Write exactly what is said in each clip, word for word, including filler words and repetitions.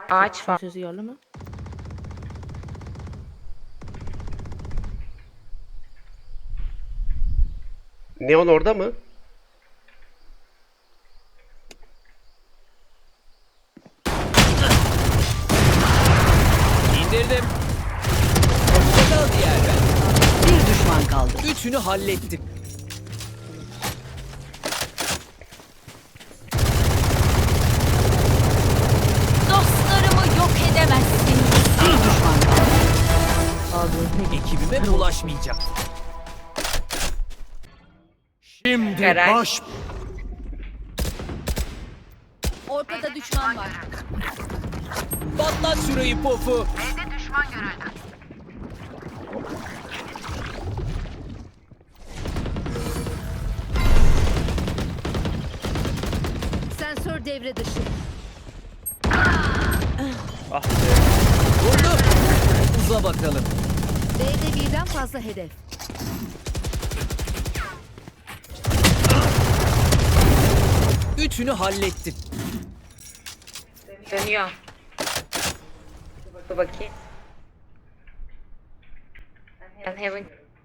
Ağaç var. Sözü yerli mi? Neon orada mı? İndirdim. Hoşçakal diğerler. Bir düşman kaldı. Üçünü hallettim. Dostlarımı yok edemezsiniz. Bir düşman kaldı. Abi. Ekibime bulaşmayacak. Şimdi Eray. baş... Ortada düşman var. Patlat şurayı pofu. Sensör devre dışı. Vurdu. Uza bakalım. B'de birden fazla hedef. Üçünü hallettim. Dönüyor. Dur bakayım. Ben Heaven.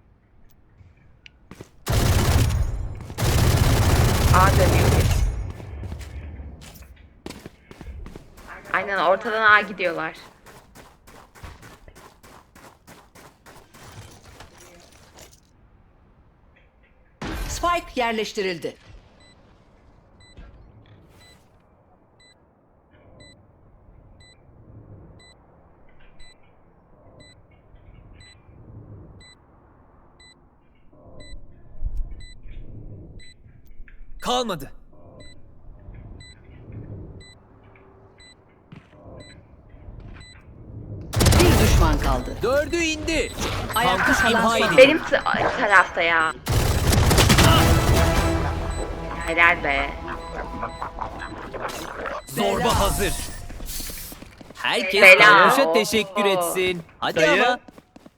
A dönüyor. Aynen ortadan A gidiyorlar. Spike yerleştirildi. Kalmadı. Bir düşman kaldı. Dördü indi. Ayakta Kampüs kalan imha son. edildi. Benim t- tarafta ya. Helal be. Zorba hazır. Herkes Bela. Kayboş'a teşekkür Oo. etsin. Hadi Dayı. ama.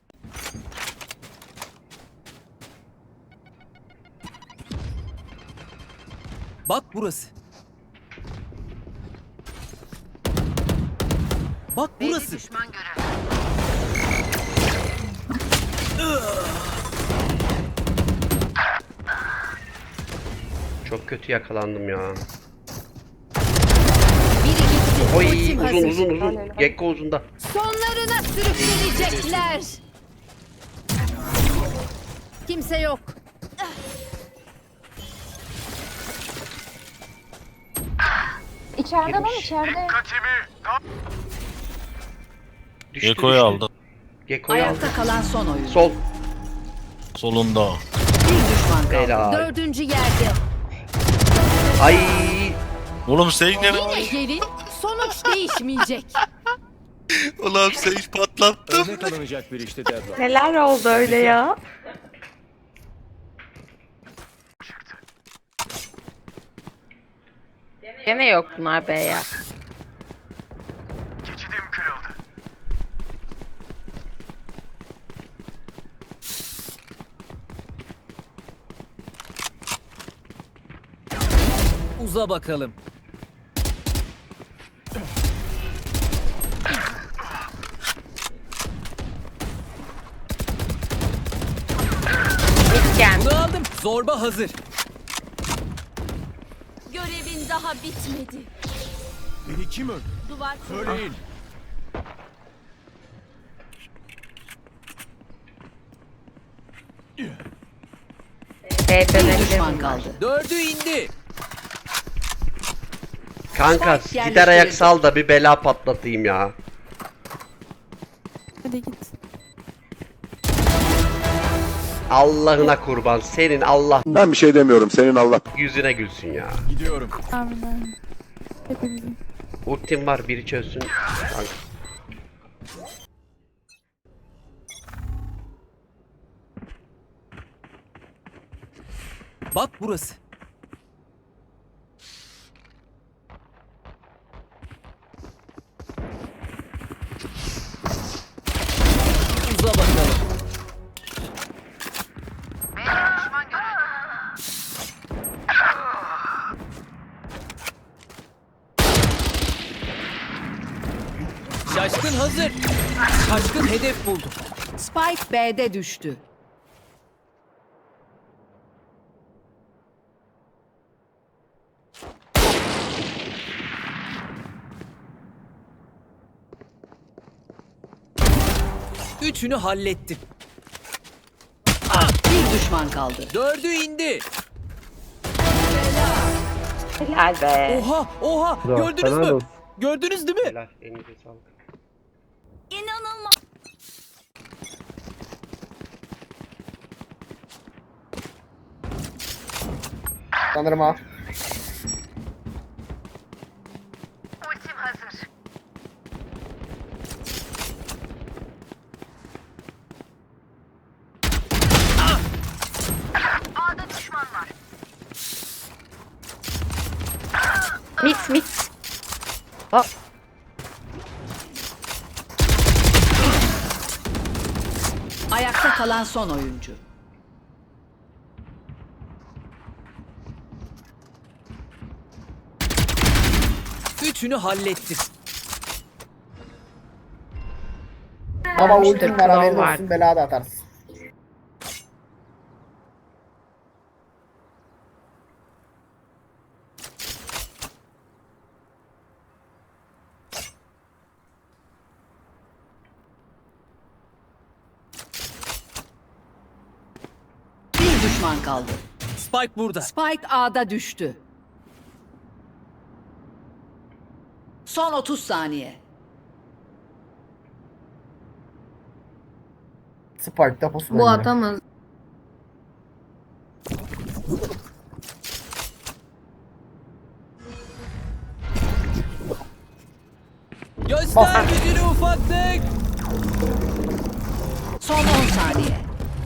Bak burası. Bak burası. Çok kötü yakalandım ya. Biri gitti. Oy Ultim uzun hazır. uzun uzun. Gekko uzunda. Sonlarına sürükleyecekler. Kimse yok. İçeride lan Girmiş. içeride. Düştü, Gekko'yu düştü. aldı. Gekko'yu aldı. Ayakta kalan son oyun. Sol. Solunda. Bir düşman kaldı. Helal. Dördüncü yerde. Ay. Oğlum sen ne? Yine gelin. Sonuç değişmeyecek. Ulan sen hiç patlattın. Örnek alınacak bir işte Deadlock. Neler oldu öyle ya? Gene yok bunlar be ya. Uza bakalım. Gel. Bunu aldım. Zorba hazır. Görevin daha bitmedi. Beni kim öldü? Duvar Söyleyin. B Bir dönebilir düşman bunlar. kaldı. Dördü indi. Kanka Spike gider ayak yerleştirildi. sal da bir bela patlatayım ya. Hadi git. Allah'ına kurban. Senin Allah Ben bir şey demiyorum. Senin Allah yüzüne gülsün ya. Gidiyorum. Amin amin. Hepimizin. Ultim var biri çözsün. Kanka. Bak burası. Uza bakalım. hazır. Şaşkın hedef buldu. Spike B'de düştü. Üçünü hallettim. Bir düşman kaldı. Dördü indi. Helal be. Oha oha gördünüz mü? Gördünüz değil mi? Helal. Elinize sağlık. İnanılmaz. Sanırım ha. Mit mit. Hop. Ayakta kalan son oyuncu. Üçünü hallettim. Baba Mr. ultim var haberin Claw var. olsun bela da atarsın. Bir düşman kaldı. Spike burada. Spike A'da düştü. Son otuz saniye. Spike'da pusu Bu bence. atamaz. Göster gücünü ufaklık. Son on saniye.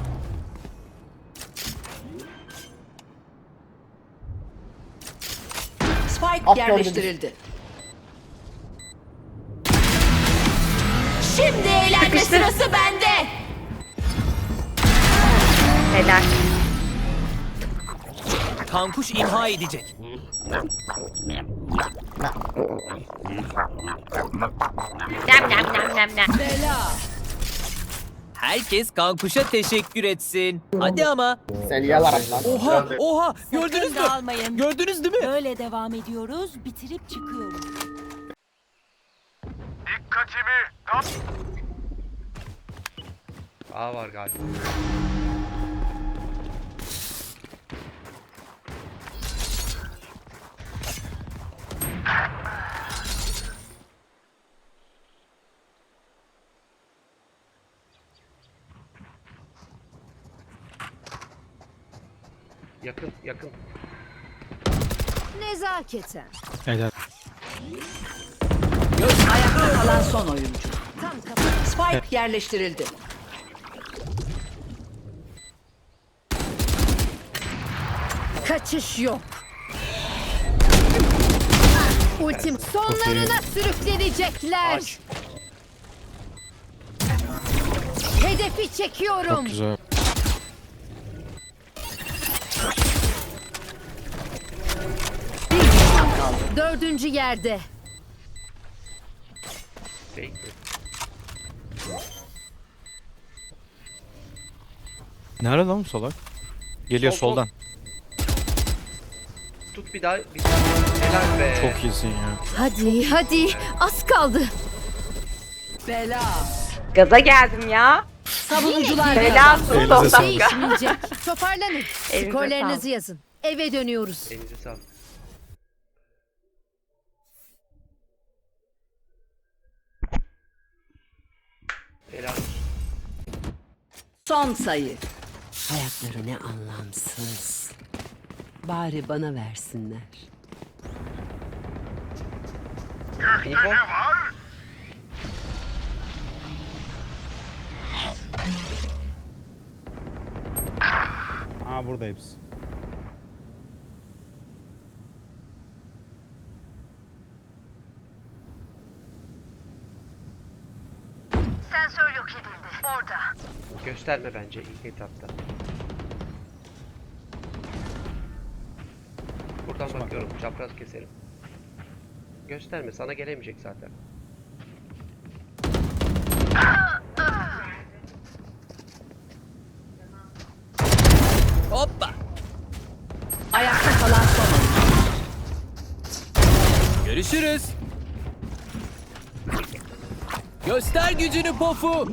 Spike At yerleştirildi. Şimdi eğlenme sırası bende. Helal. Kankuş imha edecek. Nem nem nem nem nem. Herkes kankuşa teşekkür etsin. Hadi ama. Sen yalarak lan. Oha oha gördünüz mü? dağılmayın. Gördünüz değil mi? Böyle devam ediyoruz. Bitirip çıkıyoruz. A var galiba. Yakın yakın. Nezaketen. Ayakta kalan son oyuncu. Spike yerleştirildi. Kaçış yok. Ultim sonlarına sürüklenecekler. Aç. Hedefi çekiyorum. Bir düşman kaldı. Dördüncü yerde. Fake mi? Nerede lan bu salak? Geliyor Sol, sol. soldan. Tut bir daha. Bir... Helal be. Çok iyisin ya. Hadi hadi az kaldı. Bela. Gaza geldim ya. Savunucular Helal kazandı. olsun son dakika. Değişmeyecek. Toparlanın. Elinize Skorlarınızı sağlık. yazın. Eve dönüyoruz. Elinize sağlık. Helal. Son sayı. Hayatları ne anlamsız. Bari bana versinler. İnfo. Aa burada hepsi. Sensör yok edildi. Orada. Gösterme bence ilk etapta. Buradan bakıyorum. Çapraz keserim. Gösterme. Sana gelemeyecek zaten. Hoppa. Ayakta kalan son oyuncu. Görüşürüz. Göster gücünü Pofu.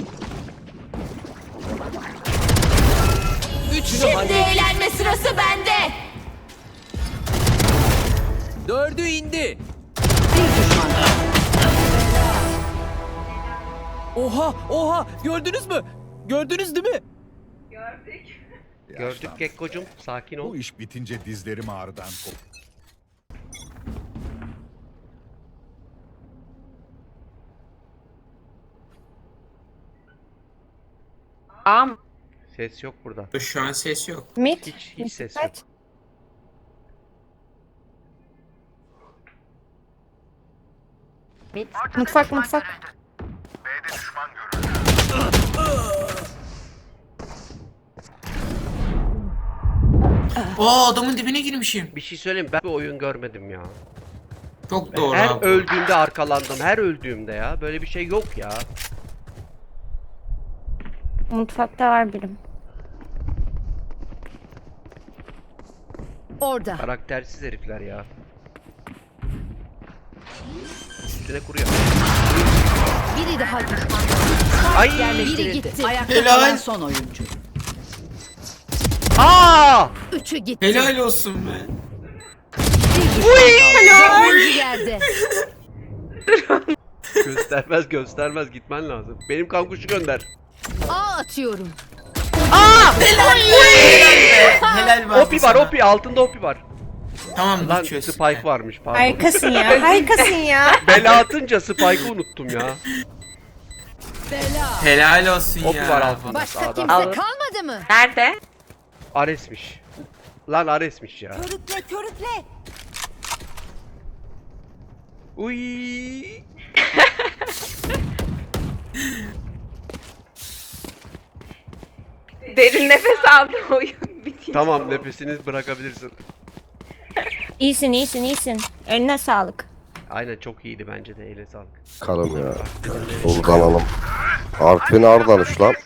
Üçünü hallettim. Eğlenme sırası bende. Dördü indi. Bir düşman kaldı. Oha oha gördünüz mü? Gördünüz değil mi? Gördük Gekko'cum. Sakin ol. Bu iş bitince dizlerim ağrıdan kop. Am. Ses yok burada. Şu an ses yok. Mid. Hiç hiç ses yok. Mid. Mutfak mutfak. Oo adamın dibine girmişim. Bir şey söyleyeyim, ben bir oyun görmedim ya. Çok doğru Her abi. öldüğümde arkalandım. Her öldüğümde ya. Böyle bir şey yok ya. Mutfakta var birim. Orada. Karaktersiz herifler ya. Üstüne kuruyor. Biri daha gitti. Ay! Biri Yerleştirildi. gitti. Ayakta Helal. kalan son oyuncu. Aa! Üçü gitti. Helal olsun be. Bir düşman kaldı. Oyuncu yerde. Göstermez göstermez, gitmen lazım. Benim kankuşu gönder. A atıyorum. Helal be. Opi var, Opi altında Opi var. Tamam Lan dur çöz. Spike varmış, pardon. Harikasın ya. Harikasın ya. Bela atınca Spike'ı unuttum ya. Bela. Helal olsun Opi ya. var altında. Başka sağda. kimse Alır. kalmadı mı? Nerede? Ares'miş. Lan Ares'miş ya. Körükle körükle. Uy. Derin nefes aldım, oyun bitiyor. Tamam, nefesini bırakabilirsin. İyisin iyisin iyisin. Eline sağlık. Aynen, çok iyiydi bence de, eline sağlık. Kalım ya. Soldanalım. Artvin Ardanuş lan.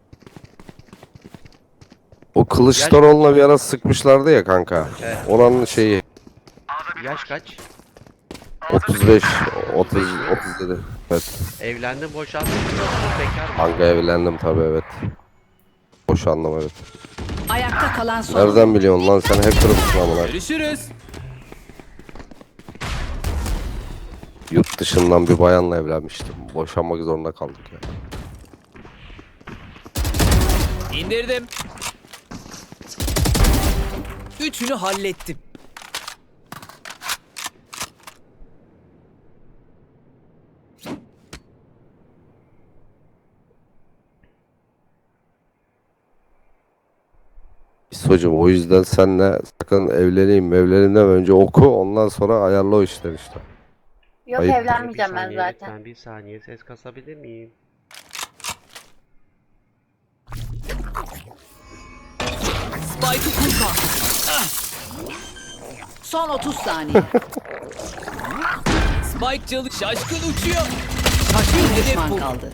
O Kılıçdaroğlu'na bir ara sıkmışlardı ya kanka. Evet. Onun şeyi Yaş kaç? otuz beş, otuz, otuz yedi. Evet. Evlendin, boşandın mı? Bekar mı? Kanka evlendim tabii, evet. Boşandım, evet. Ayakta kalan son oyuncu. Nereden biliyorsun lan, sen hacker mısın amına? Görüşürüz. Yurt dışından bir bayanla evlenmiştim. Boşanmak zorunda kaldık ya. İndirdim. Üçünü hallettim. Hocam o yüzden senle sakın evleneyim evleneyim önce oku, ondan sonra ayarla o işler işte. Yok, Ayıp. evlenmeyeceğim Bir ben saniye, zaten. lütfen bir saniye, ses kasabilir miyim? Spike'ı kur. Son otuz saniye. Spike çalı şaşkın uçuyor. Bir Hedef düşman bu. kaldı.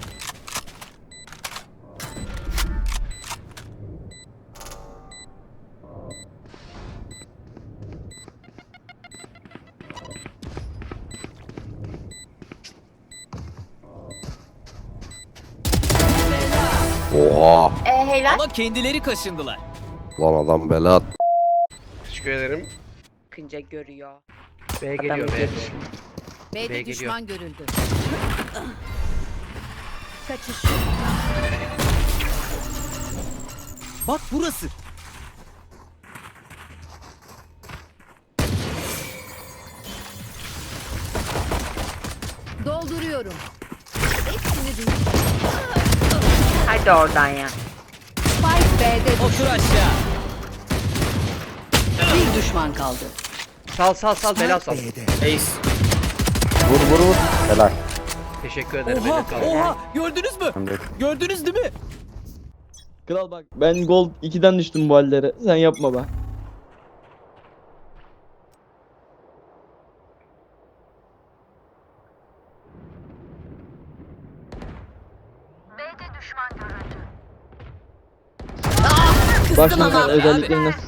Oha! E helal. Ama kendileri kaşındılar. Lan adam bela at. Teşekkür ederim. Bakınca görüyor. B geliyor, B. B'de geliyor. düşman görüldü. Kaçış. Bak burası. Dolduruyorum. Hepsini düş. Hadi oradan ya. Spike B'de Otur düştü. aşağı. Bir düşman kaldı. Sal sal sal, bela sal. Ace. Vur vur vur. Helal. Teşekkür ederim. Oha eline sağlık. oha gördünüz mü? Gördünüz değil mi? Kral bak ben gol ikiden düştüm bu hallere. Sen yapma be. B'de düşman görüldü. Bak şimdi ama abi. özellikleri nasıl.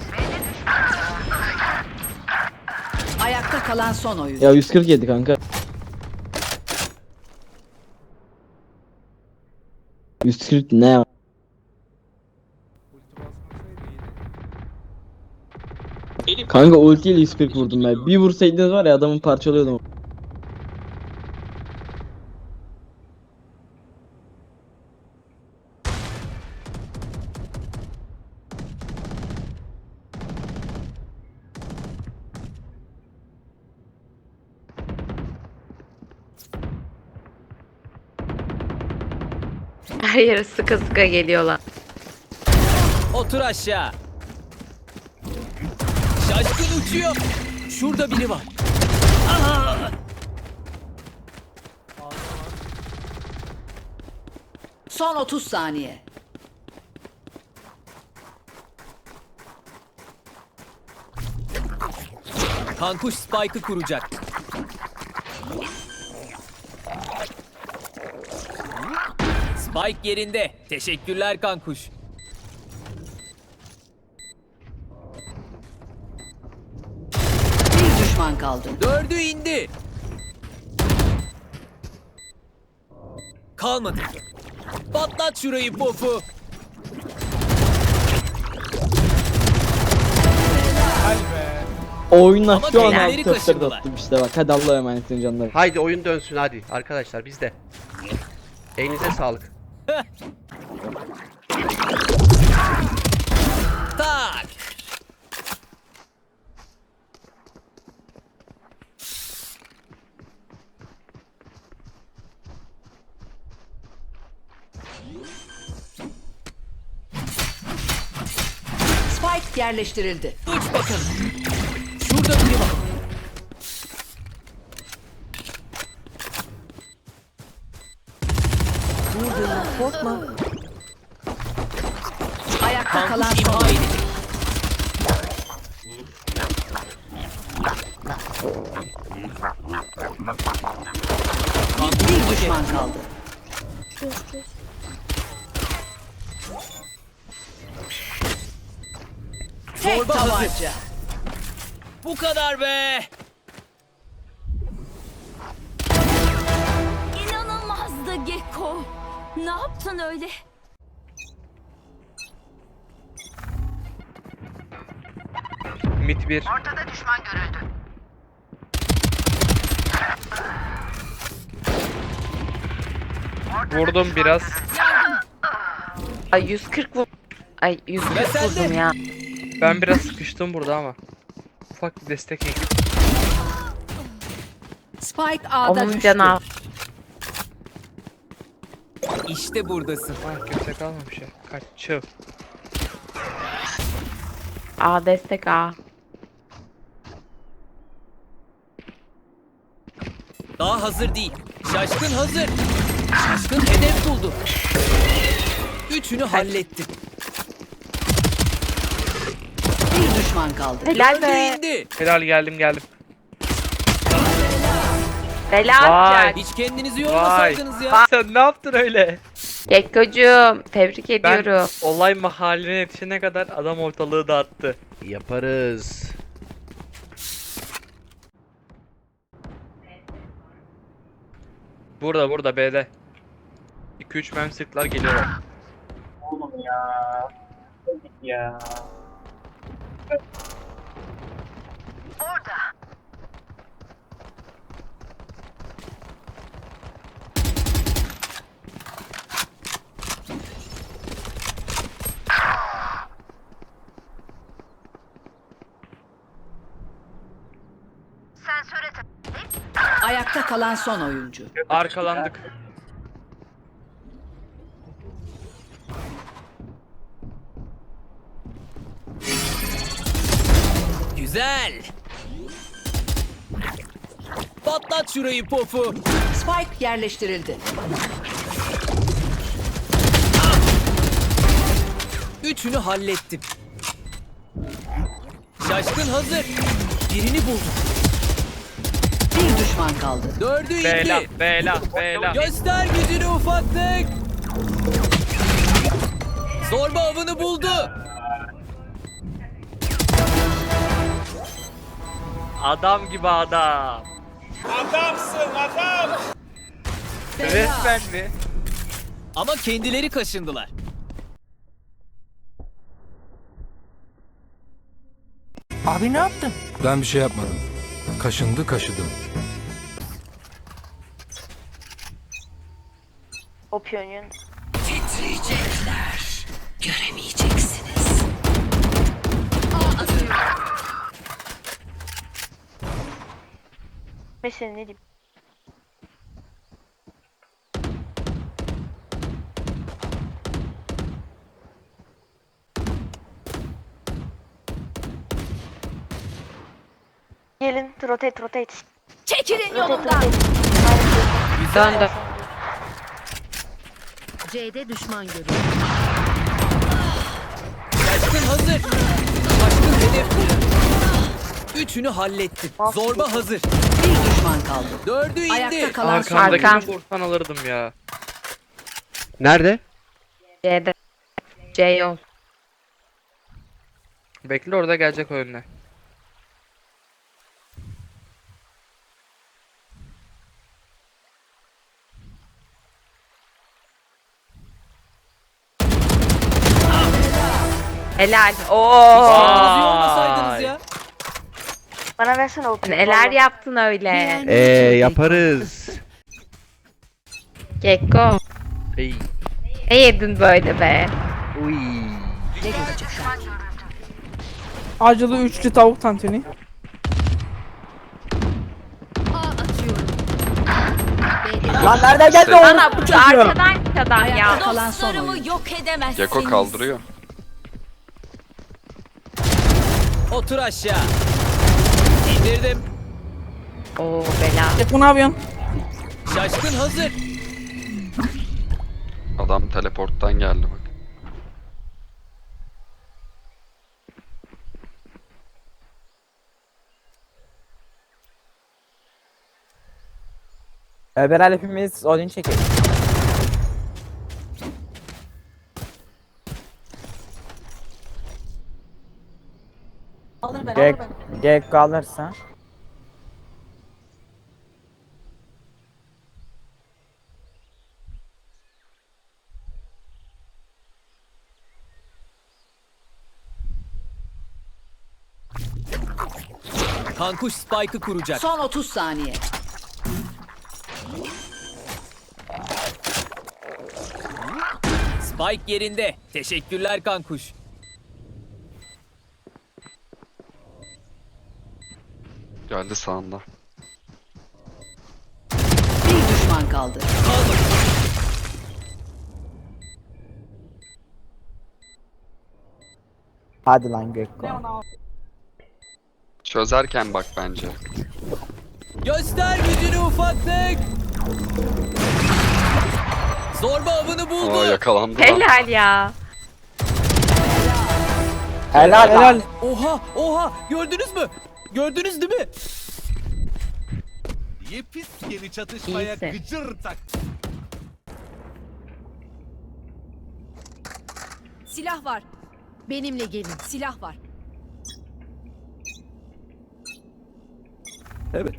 Ayakta kalan son oyuncu. Ya yüz kırk yedi kanka. yüz kırk ne ya? Kanka ultiyle yüz kırk vurdum ben. Bir vursaydınız var ya adamı parçalıyordum. Her yere sıka sıka geliyorlar. Otur aşağı. Şaşkın uçuyor. Şurada biri var. Aha! Son otuz saniye. Kankuş Spike'ı kuracak. Spike yerinde. Teşekkürler Kankuş. Bir düşman kaldı. Dördü indi. Kalmadı. Patlat şurayı pofu. Oyunlar Ama şu an kendileri altı köfteleri kaşındılar. attım işte bak. Hadi Allah'a emanetsin canlarım. Haydi oyun dönsün hadi arkadaşlar bizde. Elinize sağlık. Tak. Spike yerleştirildi. Uç bakalım. Şurada biri var. Korkma. Ayakta kalan Kankuş son imha oyuncu. edildi. Bir düşman kaldı. Tek Zorba hazır. tabanca. Bu kadar be. İnanılmazdı Gekko. Ne yaptın öyle? Mit bir. Vurdum biraz. Ay yüz kırk vur. Ay yüz Ve kırk sen de. vurdum ya. Ben biraz sıkıştım burada ama. Ufak bir destek eksik. Spike A'da Onun düştü. canı. İşte buradasın. Ah kimse kalmamış ya. Kaççı. A destek A. Daha hazır değil. Şaşkın hazır. Şaşkın hedef buldu. Üçünü hallettim. Bir düşman kaldı. Helal Dördü be. indi. Helal geldim geldim. Bela Vay. atacak. Hiç kendinizi Vay. yormasaydınız ya. Sen ne yaptın öyle? Gekkocuğum tebrik Ben ediyorum. olay mahalline yetişene kadar adam ortalığı dağıttı. Yaparız. Burada burada B'de. iki üç mem sıklar geliyorlar. Oğlum ya. Ya. Ayakta kalan son oyuncu. Arkalandık. Güzel. Patlat şurayı pofu. Spike yerleştirildi. Üçünü hallettim. Şaşkın hazır. Birini buldum. Bir düşman kaldı. Dördü indi. Bela bela bela. Göster gücünü ufaklık. Zorba avını buldu. Adam gibi adam. Adamsın adam. Resmen mi? Ama kendileri kaşındılar. Abi ne yaptın? Ben bir şey yapmadım. Kaşındı kaşıdım. O piyon. Titriyecekler. Göremeyeceksiniz. Mesela ne diyeyim? Gelin, rotate, rotate. Çekilin yolumdan. Döndüm. C'de düşman görüldü. Şaşkın hazır. Şaşkın hedef buldu. Üçünü hallettim. Zorba hazır. Bir düşman kaldı. Dördü indi. Ayakta kalan son Arkamdakini Arkam. vursan alırdım ya. Nerede? C'de. C yol. Bekle orada gelecek o önüne. Helal. Bizi Oo. yormasaydınız ya. Bana versene o piyon. Neler yaptın öyle? Ee yaparız. Gekko. Ey. Ne yedin böyle be? Uy. Ne görecekler? Acılı üçlü tavuk tantuni. Lan nereden geldi o? Bana bu arkadan adam ya. Ayakta kalan son Dostlarımı oyuncu. yok edemezsiniz. Geko kaldırıyor. Otur aşağı. İndirdim. Oo bela. Gekko ne yapıyorsun? Şaşkın hazır. Adam teleporttan geldi bak. Beraber hepimiz Odin çekelim. Gek, Gekko alırsa. Kankuş Spike'ı kuracak. Son otuz saniye. Spike yerinde. Teşekkürler Kankuş. Geldi sağında. Bir düşman kaldı. Kaldır. Hadi lan Gekko. Çözerken bak bence. Göster gücünü ufaklık. Zorba avını buldu. Aa yakalandı lan. Helal ya. Helal helal. Oha oha gördünüz mü? Gördünüz değil mi? Yepis yeni çatışmaya İyisin. gıcır tak. Silah var. Benimle gelin. Silah var. Evet.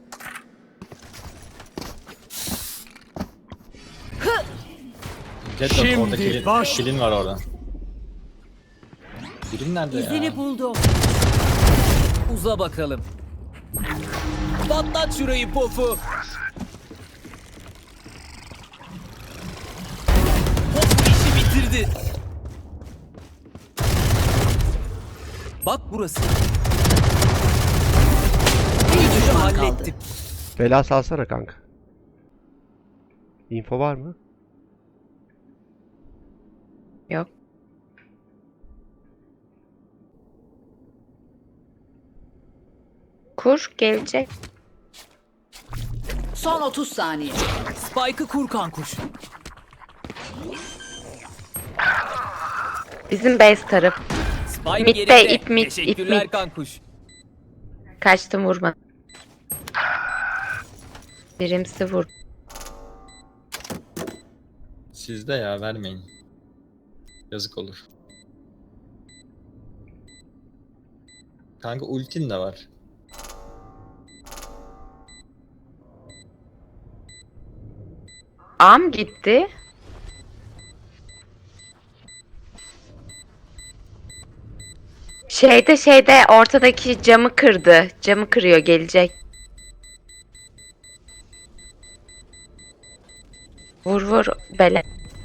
Şimdi baş. Kilin var orada. Kilin nerede ya? İzini buldum. Uza bakalım. Patlat şurayı pofu. Pop işi bitirdi. Bak burası. Bir düşman Hallettim. kaldı. Bela salsana kanka. Info var mı? Yok. Kur gelecek. Son otuz saniye. Spike'ı kur Kankuş. Bizim base taraf. Spike Mid'de, yerinde. ip mid, ip Teşekkürler mid. Kankuş. Kaçtım vurma. Birimsi vur. Sizde ya vermeyin. Yazık olur. Kanka ultin de var. A mı gitti? Şeyde şeyde ortadaki camı kırdı. Camı kırıyor, gelecek. Vur vur bele.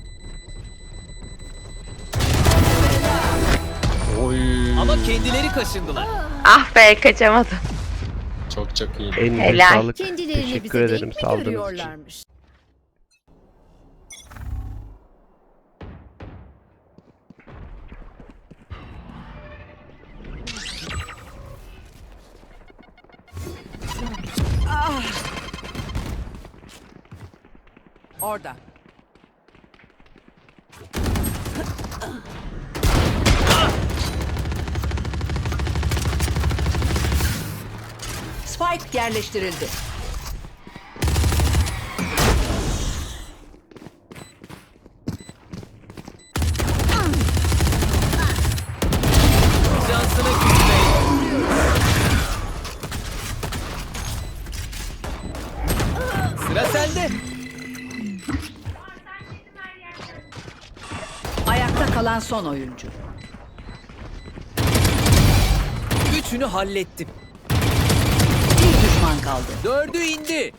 Ama kendileri kaşındılar. Ah be, kaçamadım. Çok çok iyi. Elinize Helal. sağlık. Kendilerini Teşekkür bize ederim denk mi saldığınız için. görüyorlarmış? Orada. Spike yerleştirildi. Şansına küsmeyin. Sıra sende. Ayakta kalan son oyuncu. Üçünü hallettim. Bir düşman kaldı. Dördü indi.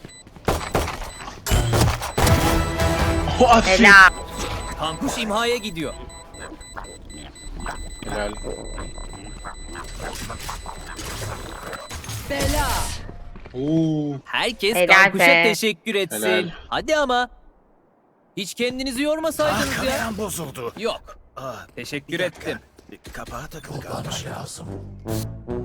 Helal. Kankuş imhaya gidiyor. Helal. Bela. Oo. Herkes Helal Kankuş'a be. teşekkür etsin. Helal. Hadi ama. Hiç kendinizi yormasaydınız ya. Kameram bozuldu. Yok. Teşekkür ettim. Kapağa takıl kalmış.